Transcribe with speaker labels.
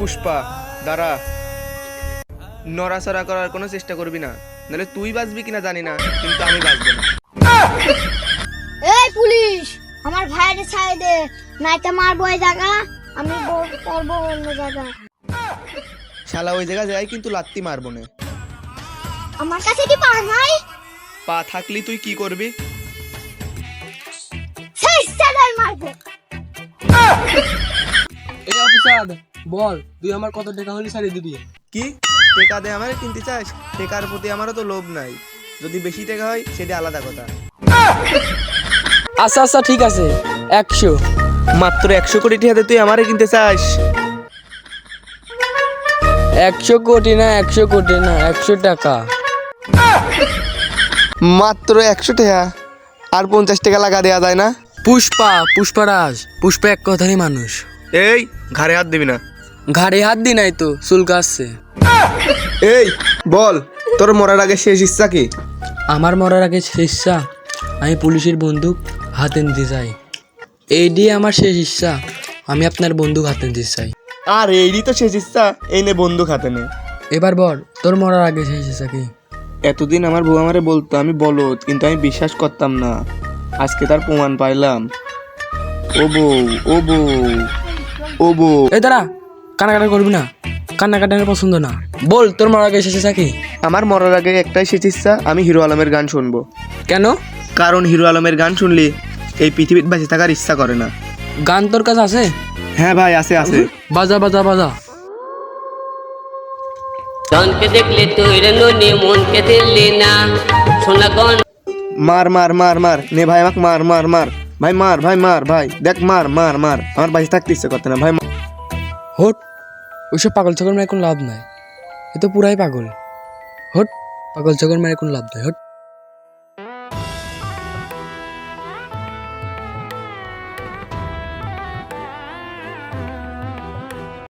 Speaker 1: পুষ্পা দাঁড়া, নড়াচড়া করার কোনো চেষ্টা করবি না, নাহলে তুই বাঁচবি কিনা জানি না, কিন্তু আমি বাঁচবো না।
Speaker 2: এই পুলিশ, আমার ভাইয়ের ছাড়ে দে, নাইতে মারবো এই জায়গা, আমি করবো অন্য জায়গা।
Speaker 1: শালা ওই জায়গা যাই কিন্তু লাত্তি মারবো না।
Speaker 2: আমার কাছে কি পা নাই?
Speaker 1: পা থাকলি তুই কি করবি?
Speaker 2: সেই সাদাই মারবো।
Speaker 3: এই অফিসার বল, তুই আমার কত টাকা হলে ছাড়িয়ে দিবি?
Speaker 1: কি টেকা দে আমারে কিনতে চাস? টেকার প্রতি আমারও তো লোভ নাই, যদি বেশি টাকা হয় সেটা আলাদা কথা।
Speaker 3: আচ্ছা আচ্ছা ঠিক আছে, 100।
Speaker 1: মাত্র 100 কোটি টাকাতে তুই আমারে কিনতে চাস?
Speaker 3: 100 কোটি না, 100 কোটি না, 100 টাকা।
Speaker 1: মাত্র 100 টাকা? আর 50 টাকা লাগা দেয়া যায় না?
Speaker 3: পুষ্পারাজ, পুষ্পা এক কথারই মানুষ।
Speaker 1: এই ঘাড়ে হাত দিবি না।
Speaker 3: ঘাড়ে হাত দি নাই তো, চুলকা আসছে।
Speaker 1: এই বল, তোর মরার আগে শেষ ইচ্ছা কি?
Speaker 3: আমার মরার আগে শেষ ইচ্ছা, আমি পুলিশের বন্দুক হাতে নিতে চাই। এই দিয়ে আমার শেষ ইচ্ছা, আমি আপনার বন্দুক হাতে নিতে চাই।
Speaker 1: আর এইরই তো শেষ ইচ্ছা, এই নে বন্দুক হাতে নে।
Speaker 3: এবার বল, তোর মরার আগে শেষ ইচ্ছা কি?
Speaker 1: এতদিন আমার বউ আমারে বলতো আমি বলদ, কিন্তু আমি বিশ্বাস করতাম না। আজকে তার প্রমাণ পাইলাম। ও বউ, ও বউ, ও বউ।
Speaker 3: এই দাঁড়া, কান্নাকাটা করবি না, কান্নাকাটা আমার পছন্দ না। বল, তোর মরার আগে শেষ ইচ্ছা কি?
Speaker 1: আমার মরার আগে একটাই শেষ ইচ্ছা, আমি হিরো আলমের গান শুনবো।
Speaker 3: কেন?
Speaker 1: কারণ হিরো আলমের গান শুনলে এই পৃথিবীতে বেঁচে থাকার ইচ্ছা করে না।
Speaker 3: গান তোর কাছে আছে?
Speaker 1: হ্যাঁ ভাই, আছে আছে।
Speaker 3: বাজা বাজা বাজা।
Speaker 4: ধনকে দেখলে তুই রে ননি মনকে দিল্লি না সোনা গন।
Speaker 1: মার মার মার মার নে ভাই, আমাকে মার মার মার ভাই, মার ভাই, মার ভাই, দেখ মার মার মার, আমার বাঁচে থাকতে ইচ্ছে করতে না ভাই।
Speaker 3: হট, ওইসব পাগল ছাগল মেরে কোনো লাভ নাই, এ তো পুরাই পাগল। হট, পাগল ছাগল মেরে কোনো লাভ নাই, হট।